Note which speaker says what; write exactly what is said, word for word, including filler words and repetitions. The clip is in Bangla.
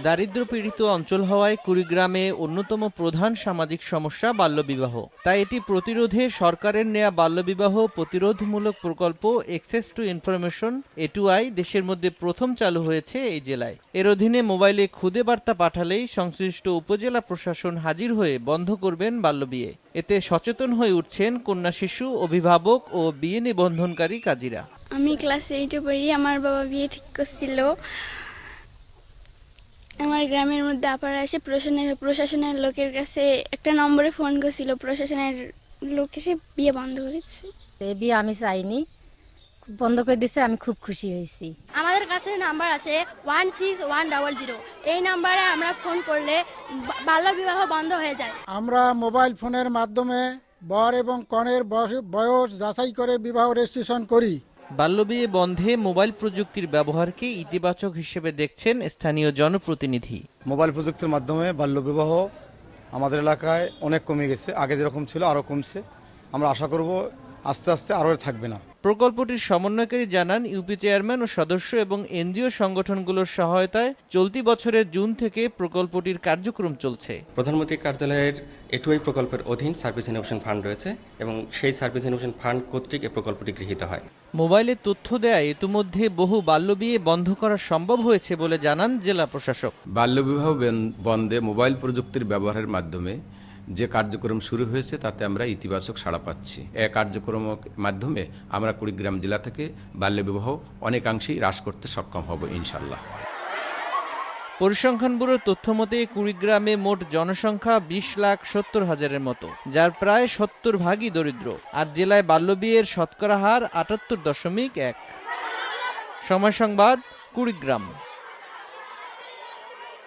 Speaker 1: দারিদ্র্যপীড়িত অঞ্চল হওয়ায় কুড়িগ্রামে অন্যতম প্রধান সামাজিক সমস্যা বাল্যবিবাহ। তাই এটি প্রতিরোধে সরকারের নেয়া বাল্যবিবাহ প্রতিরোধমূলক প্রকল্প access to information A to I দেশের মধ্যে প্রথম চালু হয়েছে এই জেলায়। এর অধীনে মোবাইলে খুদে বার্তা পাঠালেই সংশ্লিষ্ট উপজেলা প্রশাসন হাজির হয়ে বন্ধ করবেন বাল্যবিয়ে। এতে সচেতন হয়ে উঠছেন কন্যা শিশু, অভিভাবক ও বিয়ে নিবন্ধনকারী কাজীরা।
Speaker 2: আমি ক্লাস এইটে পড়ি। আমার বাবা বিয়ে ঠিক করছিল। আমার গ্রামের মধ্যে আপারা এসে প্রশাসনের প্রশাসনের লোকের কাছে একটা নম্বরে ফোন করছিল। প্রশাসনের লোক এসে বিয়ে বন্ধ করেছে।
Speaker 3: এই বিয়ে আমি চাইনি, বন্ধ করে দিয়েছে, আমি খুব খুশি হয়েছি।
Speaker 4: আমাদের কাছে নাম্বার আছে one six one double zero. এই নাম্বারে আমরা ফোন করলে বাল্যবিবাহ বন্ধ হয়ে যায়।
Speaker 5: আমরা মোবাইল ফোনের মাধ্যমে বর এবং কনের বয়স যাচাই করে বিবাহ রেজিস্ট্রেশন করি।
Speaker 1: বাল্যবিয়ে বন্ধে মোবাইল প্রযুক্তির ব্যবহারকে ইতিবাচক হিসেবে দেখছেন স্থানীয় জনপ্রতিনিধি।
Speaker 6: মোবাইল প্রযুক্তির মাধ্যমে বাল্যবিবাহ আমাদের এলাকায় অনেক কমে গেছে, আগে যেরকম ছিল আরও কমছে। আমরা আশা করব আস্তে আস্তে আরও থাকবে না।
Speaker 1: প্রকল্পটির সমন্বয়কারী জানান, ইউপি চেয়ারম্যান ও সদস্য এবং এনজিও সংগঠনগুলোর সহায়তায় চলতি বছরের জুন থেকে প্রকল্পটির কার্যক্রম চলছে।
Speaker 7: প্রধানমন্ত্রী কার্যালয়ের এ টু আই প্রকল্পের অধীন সার্ভিস ইনোভেশন ফান্ড রয়েছে এবং সেই সার্ভিস ইনোভেশন ফান্ড কর্তৃক এই প্রকল্পটি গৃহীত হয়।
Speaker 1: মোবাইলে তথ্য দেয় ইতিমধ্যে বহু বাল্যবিয়ে বন্ধ করা সম্ভব হয়েছে বলে জানান জেলা প্রশাসক।
Speaker 8: বাল্যবিবাহ বন্ধে মোবাইল প্রযুক্তির ব্যবহারের মাধ্যমে যে কার্যক্রম শুরু হয়েছে তাতে আমরা ইতিবাচক সাড়া পাচ্ছি। এই কার্যক্রমের মাধ্যমে আমরা কুড়িগ্রাম জেলা থেকে বাল্যবিবাহ অনেকাংশেই হ্রাস করতে সক্ষম হব ইনশাল্লাহ।
Speaker 1: পরিসংখ্যান ব্যুরোর তথ্য মতে কুড়িগ্রামে মোট জনসংখ্যা বিশ লাখ সত্তর হাজারের মতো, যার প্রায় সত্তর ভাগই দরিদ্র। আর জেলায় বাল্যবিয়ের শতকরা হার আটাত্তর দশমিক এক। সময় সংবাদ, কুড়িগ্রাম।